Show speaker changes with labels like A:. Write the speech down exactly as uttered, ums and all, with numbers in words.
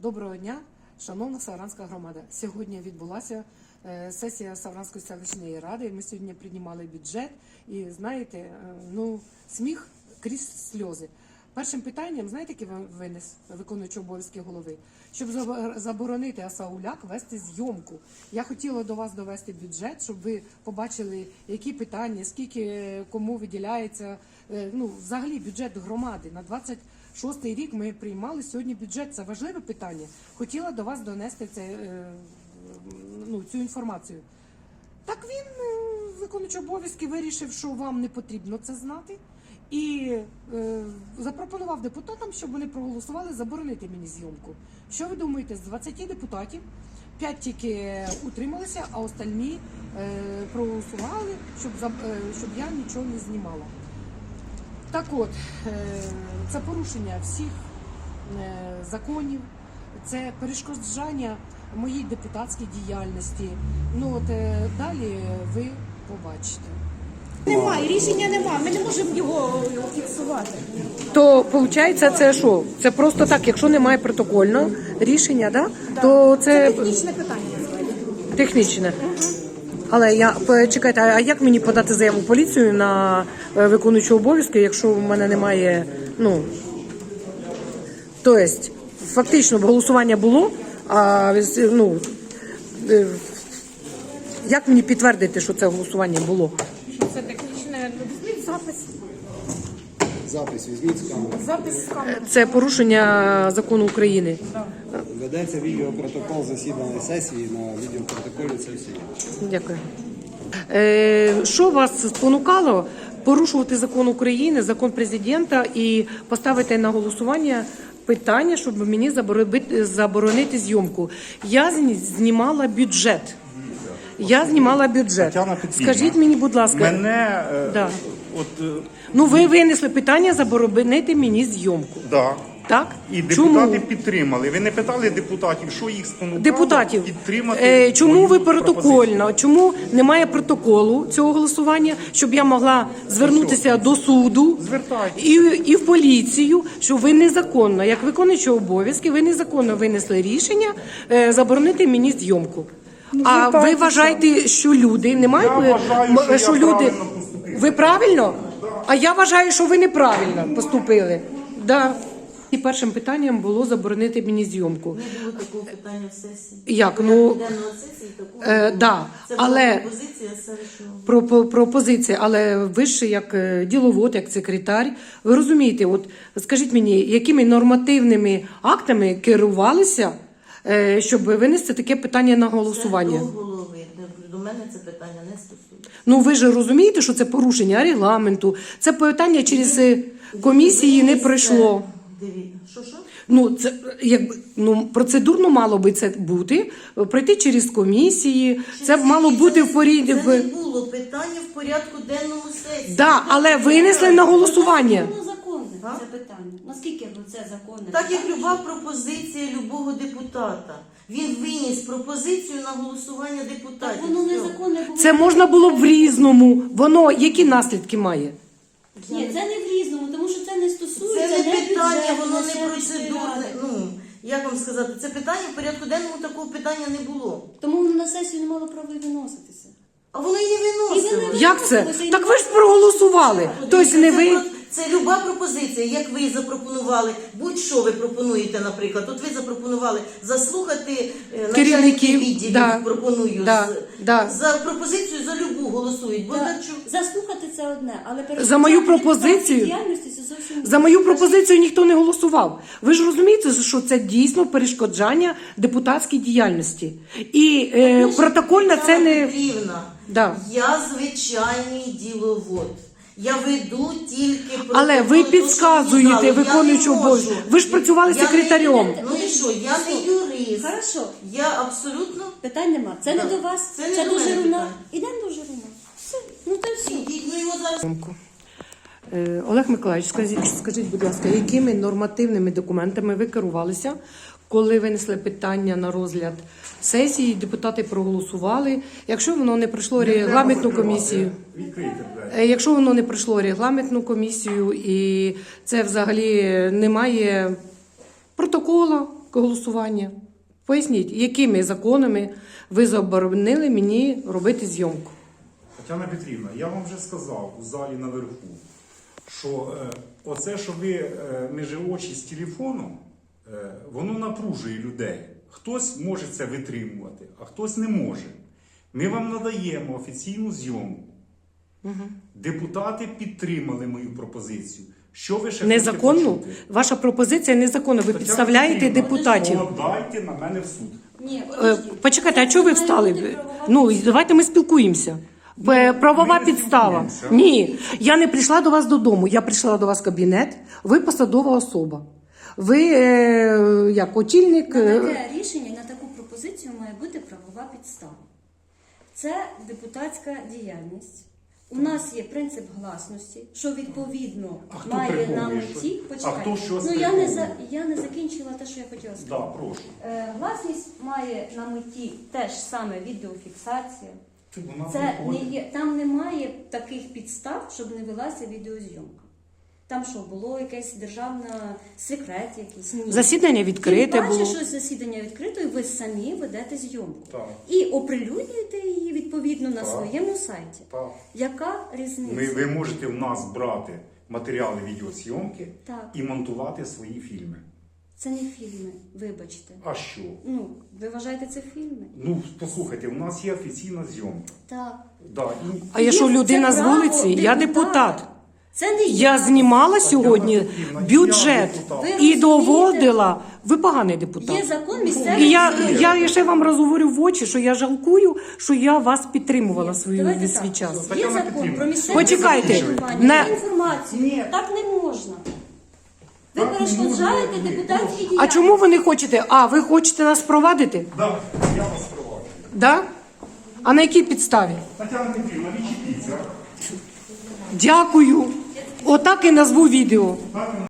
A: Доброго дня, шановна Савранська громада. Сьогодні відбулася сесія Савранської селищної ради. Ми сьогодні приймали бюджет і, знаєте, ну, сміх крізь сльози. Першим питанням, знаєте, який винес виконуючий обов'язки голови? Щоб заборонити Асауляк вести зйомку. Я хотіла до вас довести бюджет, щоб ви побачили, які питання, скільки кому виділяється, ну, взагалі бюджет громади. На двадцять шостий рік ми приймали сьогодні бюджет. Це важливе питання. Хотіла до вас донести це, ну, цю інформацію. Так він, виконуючий обов'язки, вирішив, що вам не потрібно це знати. І е, запропонував депутатам, щоб вони проголосували заборонити мені зйомку. Що ви думаєте, з двадцяти депутатів п'ять тільки утрималися, а остальні е, проголосували, щоб, е, щоб я нічого не знімала. Так от, е, це порушення всіх е, законів, це перешкоджання моїй депутатській діяльності. Ну от е, далі ви побачите.
B: Немає, рішення немає, ми не можемо його фіксувати.
A: То, виходить, це що? Це просто так, якщо немає протокольного рішення, да? Да. То це...
B: Це технічне питання насправді.
A: Технічне. Угу. Але я, чекайте, а як мені подати заяву в поліцію на виконуючого обов'язки, якщо в мене немає, ну... Тобто, фактично, голосування було, а, ну... Як мені підтвердити, що це голосування було?
B: Це технічне, візьміть запис.
C: Запис візьміть з камери.
B: Запис з камери.
A: Це порушення закону України.
B: Да.
C: Ведеться відеопротокол засідання сесії, на відеопротоколі це все є.
A: Дякую. Е, що вас спонукало порушувати закон України, закон президента і поставити на голосування питання, щоб мені заборонити зйомку? Я знімала бюджет. Я знімала бюджет. Скажіть мені, будь ласка.
D: Мене,
A: да.
D: от,
A: ну, ви винесли питання заборонити мені зйомку.
D: Да.
A: Так?
D: І депутати
A: чому?
D: підтримали. Ви не питали депутатів, що їх спонукало
A: Депутатів.
D: підтримати?
A: Е, чому ви протокольно?
D: пропозицію?
A: Чому немає протоколу цього голосування, щоб я могла звернутися до суду і, і в поліцію, що ви незаконно, як виконуючий обов'язки, ви незаконно винесли рішення е, заборонити мені зйомку. Ну, а ви вважаєте, що люди не мають...
D: Я вважаю, що,
A: що
D: я
A: люди...
D: правильно поступив.
A: Ви правильно? Да. А я вважаю, що ви неправильно поступили. Да. І першим питанням було заборонити мені зйомку.
E: Не було такого питання в сесії.
A: Як? Ну,
E: сесії такого
A: е, да.
E: Це
A: але...
E: була пропозиція селищного.
A: Про, про, пропозиція, але ви ж як діловод, як секретар, ви розумієте, от скажіть мені, якими нормативними актами керувалися, щоб винести таке питання на голосування?
E: Це до голови. До мене це питання не стосується.
A: Ну ви ж розумієте, що це порушення регламенту, це питання через комісії не пройшло.
E: Дивіться, що що?
A: Ну, це якби ну процедурно мало би це бути, пройти через комісії. Це б мало бути в порядку.
E: Це не було питання в порядку денному сесії.
A: Да, але винесли на голосування.
F: Воно законне, це питання. Наскільки це законне?
E: Так як люба пропозиція любого депутата. Він виніс пропозицію на голосування депутатів.
F: Так воно незаконне було.
A: Це можна було б в різному. Воно які наслідки має?
F: Ні, це не в різному, тому що це не стосується.
E: Це не питання,
F: бюджету,
E: воно не
F: селищної
E: процедурне.
F: ради.
E: Ну, як вам сказати, це питання в порядку денному такого питання не було.
F: Тому воно на сесію не мало права і виноситися.
E: А воно і не
F: І ви
E: виносило.
F: не
A: Як це?
F: виносилося,
A: Так
F: і
A: ви ж проголосували. Тобто не ви.
E: Це люба пропозиція, як ви запропонували, будь-що ви пропонуєте, наприклад. От ви запропонували заслухати е, начальників відділів,
A: да,
E: пропоную,
A: да,
E: з,
A: да.
E: за пропозицію за любу голосують. Бо
F: Да.
E: так, що...
F: Заслухати це одне, але
A: За мою
F: перешкоджати
A: пропозицію?
F: депутатській діяльності це зовсім інше.
A: За мою пропозицію ніхто не голосував. Ви ж розумієте, що це дійсно перешкоджання депутатській діяльності. І е, протокольно це не...
E: Петрівна,
A: Да.
E: я звичайний діловод. Я веду тільки протокол.
A: Але ви підказуєте виконуючого обов'язку. Ви ж працювали
E: Я
A: секретарем.
E: Не, ну і що, я не юрист.
F: Хорошо.
E: Я абсолютно...
F: Питань нема. Це
E: Да.
F: не до вас,
E: Це
F: це,
E: не
F: це
E: до
F: до
E: мене
F: Жируна.
E: питання.
F: Ідемо до Жируна. Все, ну то все.
E: Ідіть, ну його зараз...
A: Е, Олег Миколаївич, скажіть, скажіть, будь ласка, якими нормативними документами ви керувалися, коли винесли питання на розгляд сесії, депутати проголосували, якщо воно не пройшло регламентну комісію? Е, Якщо воно не пройшло регламентну комісію і це взагалі немає протокола, голосування. Поясніть, якими законами ви заборонили мені робити зйомку?
D: Тетяна Петрівна, я вам вже сказав у залі наверху, що е, оце, що ви е, між очі з телефоном, е, воно напружує людей. Хтось може це витримувати, а хтось не може. Ми вам надаємо офіційну зйомку. Угу. Депутати підтримали мою пропозицію. Що ви ще
A: Незаконно?
D: хочете почути?
A: Ваша пропозиція незаконна. Ви
D: Тетяна
A: підставляєте
D: Петрівна,
A: депутатів.
D: Подайте на мене в суд.
F: Ні,
A: Е,
F: подождіть.
A: Почекайте, а чого ви
F: Має
A: встали?
F: бути правова
A: Ну, давайте ми спілкуємося. Е, Правова
D: ми не
A: підстава.
D: спілкуємося.
A: Ні, я не прийшла до вас додому. Я прийшла до вас в кабінет. Ви посадова особа. Ви е, як очільник.
F: На
A: е,
F: таке рішення, на таку пропозицію має бути правова підстава. Це депутатська діяльність. У нас є принцип гласності, що відповідно
D: А хто
F: має на
D: приховує
F: меті.
D: щось?
F: Почекайте.
D: А хто щось
F: ну я не за
D: приховує?
F: я не закінчила те, що я хотіла
D: Да,
F: сказати.
D: прошу.
F: Е, гласність має на меті теж саме відеофіксація.
D: Ти, вона
F: Це не
D: виходить.
F: є, там немає таких підстав, щоб не велася відеозйомка. Там що, було якесь державна секрет якийсь? Ні.
A: Засідання відкрите
F: Тим паче,
A: було.
F: що засідання відкрите, і ви самі ведете зйомку.
D: Так.
F: І оприлюднюєте її відповідно на
D: Так.
F: своєму сайті.
D: Так.
F: Яка різниця?
D: Ми, ви можете в нас брати матеріали відеозйомки
F: Так.
D: і монтувати свої фільми.
F: Це не фільми, вибачте.
D: А що?
F: Ну, ви вважаєте це фільми?
D: Ну, послухайте, у нас є офіційна зйомка.
F: Так.
D: Да, і...
A: А я що,
F: Є-
A: людина
F: це
A: з
F: право
A: вулиці? Я депутат.
F: Це не
A: Я
F: я.
A: знімала сьогодні
D: Петрівна,
A: бюджет
D: я депутат.
F: Ви
A: і
F: розумієте?
A: доводила. Ви поганий депутат.
F: Є закон місцевий.
A: І я,
F: бюджет.
A: я ще вам розговорю в очі, що я жалкую, що я вас підтримувала
F: Ні,
A: свою
F: давайте
A: свій
F: так.
A: час.
F: Є
D: Тетяна
F: закон
D: Петрівна,
F: про місцеве
A: Почекайте,
F: самоврядування,
A: на-
F: є інформацію.
D: Ні.
F: Так не можна. Ви
D: Так не
F: перешкоджаєте
D: можна.
F: депутатській
A: А
F: діяльності.
A: чому ви не хочете? А, ви хочете нас провадити?
D: Да, я вас проваджу.
A: Да? А на якій підставі?
D: Тетяна Петрівна, відчепіться.
A: Дякую. Отак і назву відео.
D: Так,